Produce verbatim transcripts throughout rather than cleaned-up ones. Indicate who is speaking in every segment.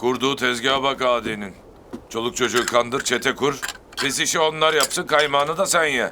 Speaker 1: Kurduğu tezgaha bak Adi'nin. Çoluk çocuğu kandır, çete kur. Pis işi onlar yapsın, kaymağını da sen ye.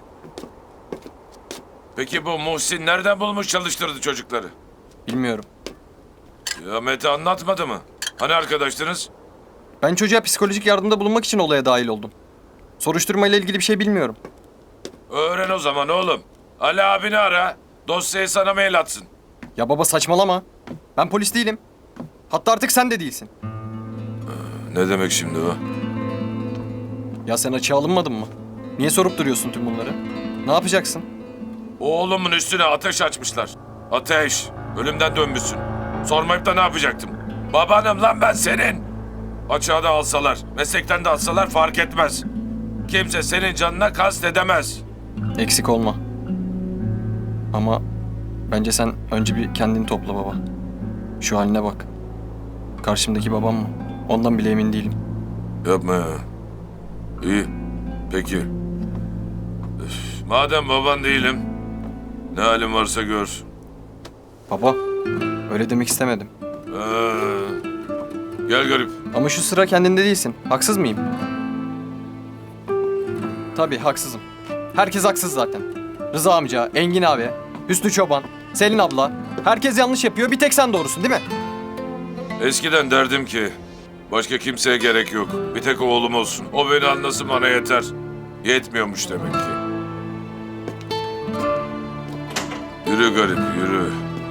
Speaker 1: Peki bu Muhsin nereden bulmuş çalıştırdı çocukları?
Speaker 2: Bilmiyorum.
Speaker 1: Ya Mete anlatmadı mı? Hani arkadaştınız?
Speaker 2: Ben çocuğa psikolojik yardımda bulunmak için olaya dahil oldum. Soruşturmayla ilgili bir şey bilmiyorum.
Speaker 1: Öğren o zaman oğlum. Ali abini ara, dosyayı sana mail atsın.
Speaker 2: Ya baba saçmalama. Ben polis değilim. Hatta artık sen de değilsin.
Speaker 1: Ne demek şimdi o?
Speaker 2: Ya sen açığa alınmadın mı? Niye sorup duruyorsun tüm bunları? Ne yapacaksın?
Speaker 1: Oğlumun üstüne ateş açmışlar. Ateş, ölümden dönmüşsün. Sormayıp da ne yapacaktım? Babanım lan ben senin. Açığa da alsalar, meslekten de alsalar fark etmez. Kimse senin canına kast edemez.
Speaker 2: Eksik olma. Ama bence sen önce bir kendini topla baba. Şu haline bak. Karşımdaki babam mı? Ondan bile emin değilim.
Speaker 1: Yapma ya. İyi, peki. Üf, madem baban değilim, ne halin varsa gör.
Speaker 2: Baba, öyle demek istemedim.
Speaker 1: Ee, gel garip.
Speaker 2: Ama şu sıra kendinde değilsin. Haksız mıyım? Tabii haksızım. Herkes haksız zaten. Rıza amca, Engin abi, Hüsnü Çoban, Selin abla. Herkes yanlış yapıyor. Bir tek sen doğrusun değil mi?
Speaker 1: Eskiden derdim ki, başka kimseye gerek yok. Bir tek oğlum olsun. O beni anlasın bana yeter. Yetmiyormuş demek ki. Yürü garip, yürü.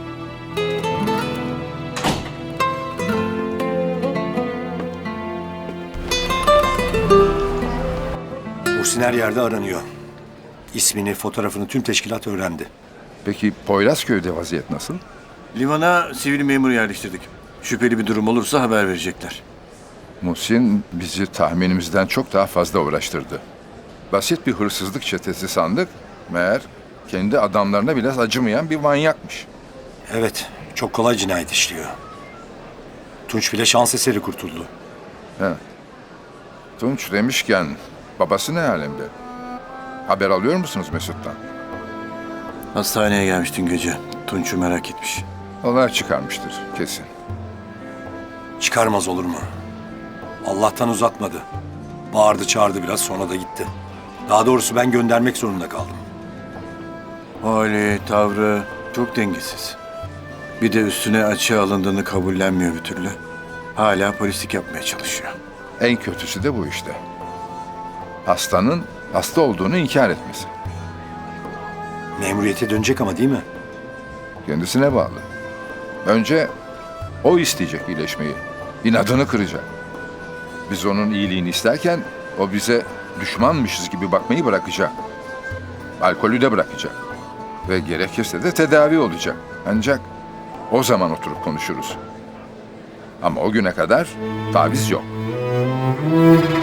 Speaker 3: Muhsin her yerde aranıyor. İsmini, fotoğrafını tüm teşkilat öğrendi.
Speaker 4: Peki Poyrazköy'de vaziyet nasıl?
Speaker 5: Limana sivil memur yerleştirdik. Şüpheli bir durum olursa haber verecekler.
Speaker 4: Muhsin bizi tahminimizden çok daha fazla uğraştırdı. Basit bir hırsızlık çetesi sandık. Meğer kendi adamlarına biraz acımayan bir manyakmış.
Speaker 3: Evet, çok kolay cinayet işliyor. Tunç bile şans eseri kurtuldu.
Speaker 4: He. Tunç demişken babası ne alemde? Haber alıyor musunuz Mesut'tan?
Speaker 5: Hastaneye gelmiş dün gece. Tunç'u merak etmiş.
Speaker 4: Olay çıkarmıştır kesin.
Speaker 3: Çıkarmaz olur mu? Allah'tan uzatmadı. Bağırdı çağırdı biraz sonra da gitti. Daha doğrusu ben göndermek zorunda kaldım.
Speaker 5: Hali, tavrı çok dengesiz. Bir de üstüne açığa alındığını kabullenmiyor bir türlü. Hala polislik yapmaya çalışıyor.
Speaker 4: En kötüsü de bu işte. Hastanın hasta olduğunu inkar etmesi.
Speaker 3: Memuriyete dönecek ama değil mi?
Speaker 4: Kendisine bağlı. Önce o isteyecek iyileşmeyi. İnadını kıracak. Biz onun iyiliğini isterken o bize düşmanmışız gibi bakmayı bırakacak. Alkolü de bırakacak. Ve gerekirse de tedavi olacak. Ancak o zaman oturup konuşuruz. Ama o güne kadar taviz yok.